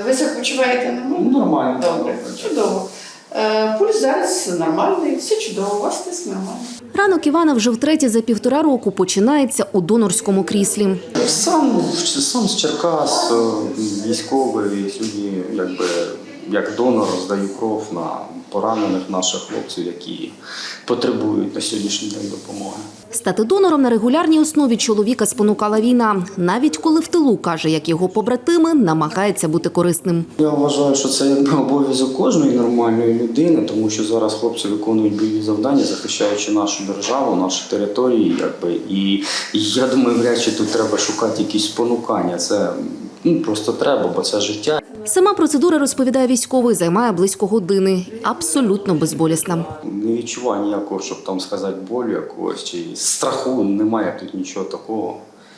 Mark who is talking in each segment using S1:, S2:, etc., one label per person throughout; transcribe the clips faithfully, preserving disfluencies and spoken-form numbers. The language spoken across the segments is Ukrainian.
S1: Ви себе почуваєте нормально?
S2: Нормально.
S1: Добре, чудово. Пульс зараз нормальний, все чудово, у вас тиск нормальний.
S3: Ранок Івана вже втретє за півтора року починається у донорському кріслі.
S2: Сам, сам з Черкас, військовий, сьогодні якби як донор здаю кров на поранених наших хлопців, які потребують на сьогоднішній день допомоги.
S3: Стати донором на регулярній основі чоловіка спонукала війна. Навіть коли в тилу, каже, як його побратими, намагається бути корисним.
S2: Я вважаю, що це якби обов'язок кожної нормальної людини, тому що зараз хлопці виконують бойові завдання, захищаючи нашу державу, наші території. Якби. І я думаю, вряд чи тут треба шукати якісь спонукання. Це ну, просто треба, бо це життя.
S3: Сама процедура, розповідає військовий, займає близько години. Абсолютно безболісна.
S2: Не відчуваю ніякого, щоб там сказати, болю якогось чи страху. Немає тут нічого такого,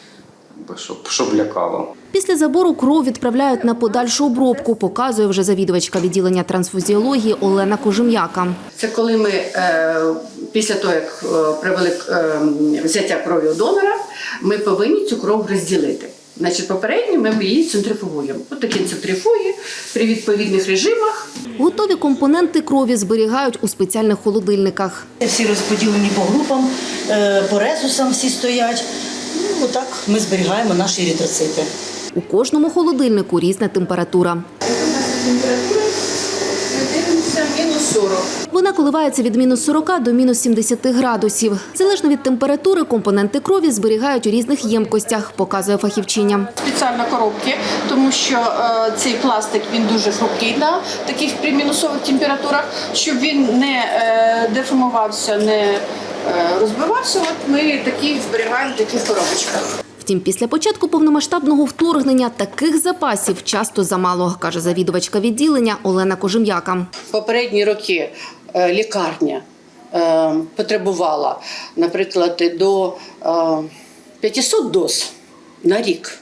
S2: щоб, щоб лякало.
S3: Після забору кров відправляють на подальшу обробку, показує вже завідувачка відділення трансфузіології Олена Кожем'яка.
S1: Це коли ми е, після того, як е, провели е, взяття крові у донора, ми повинні цю кров розділити. Значить, попередньо ми її центрифугуємо. Ось такі центрифуги при відповідних режимах.
S3: Готові компоненти крові зберігають у спеціальних холодильниках.
S4: Всі розподілені по групам, по резусам всі стоять. Ну, отак ми зберігаємо наші еритроцити.
S3: У кожному холодильнику різна температура.
S1: Температура, дивимося, мінус сорок.
S3: Вона коливається від мінус сорока до мінус сімдесяти градусів. Залежно від температури, компоненти крові зберігають у різних ємкостях, показує фахівчиня.
S1: Спеціально коробки, тому що е, цей пластик він дуже хрупкий на таких при мінусових температурах, щоб він не е, деформувався, не е, розбивався. От ми такі зберігаємо в таких коробочках.
S3: Втім, після початку повномасштабного вторгнення таких запасів часто замало, каже завідувачка відділення Олена Кожем'яка.
S1: В попередні роки е, лікарня е, потребувала, наприклад, до е, п'ятисот доз на рік,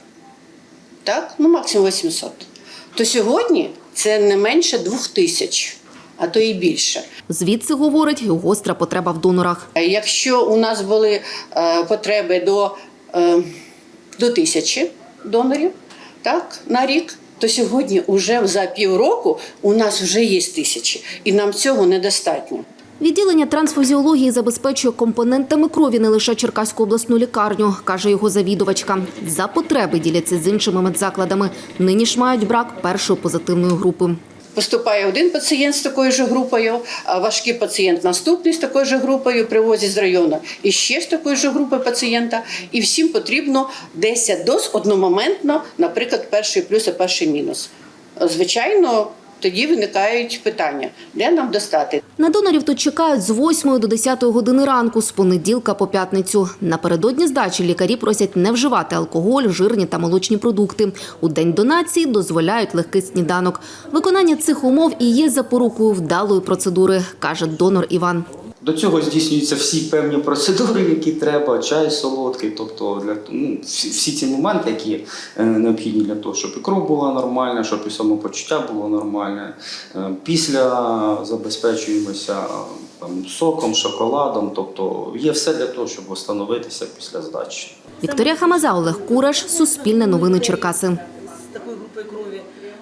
S1: так? Ну, максимум вісімсот. То сьогодні це не менше двох тисяч, а то і більше.
S3: Звідси, говорить, і гостра потреба в донорах.
S1: Якщо у нас були е, потреби до, е, до тисячі донорів, так, на рік, то сьогодні вже за півроку у нас вже є тисячі, і нам цього недостатньо.
S3: Відділення трансфузіології забезпечує компонентами крові не лише Черкаську обласну лікарню, каже його завідувачка. За потреби діляться з іншими медзакладами. Нині ж мають брак першої позитивної групи.
S1: Поступає один пацієнт з такою ж групою, а важкий пацієнт наступний з такою ж групою, привозять з району і ще з такої ж групи пацієнта. І всім потрібно десять доз одномоментно, наприклад, перший плюс і перший мінус. Звичайно, тоді виникають питання, де нам достати.
S3: На донорів тут чекають з восьмої до десятої години ранку, з понеділка по п'ятницю. Напередодні здачі лікарі просять не вживати алкоголь, жирні та молочні продукти. У день донації дозволяють легкий сніданок. Виконання цих умов і є запорукою вдалої процедури, каже донор Іван.
S2: До цього здійснюються всі певні процедури, які треба, чай солодкий, тобто для, ну, всі, всі ці моменти, які е, необхідні для того, щоб і кров була нормальна, щоб і самопочуття було нормальне. Е, після забезпечуємося там, соком, шоколадом, тобто є все для того, щоб встановитися після здачі.
S3: Вікторія Хамаза, Олег Кураш, Суспільне новини Черкаси.
S4: З такою групою крові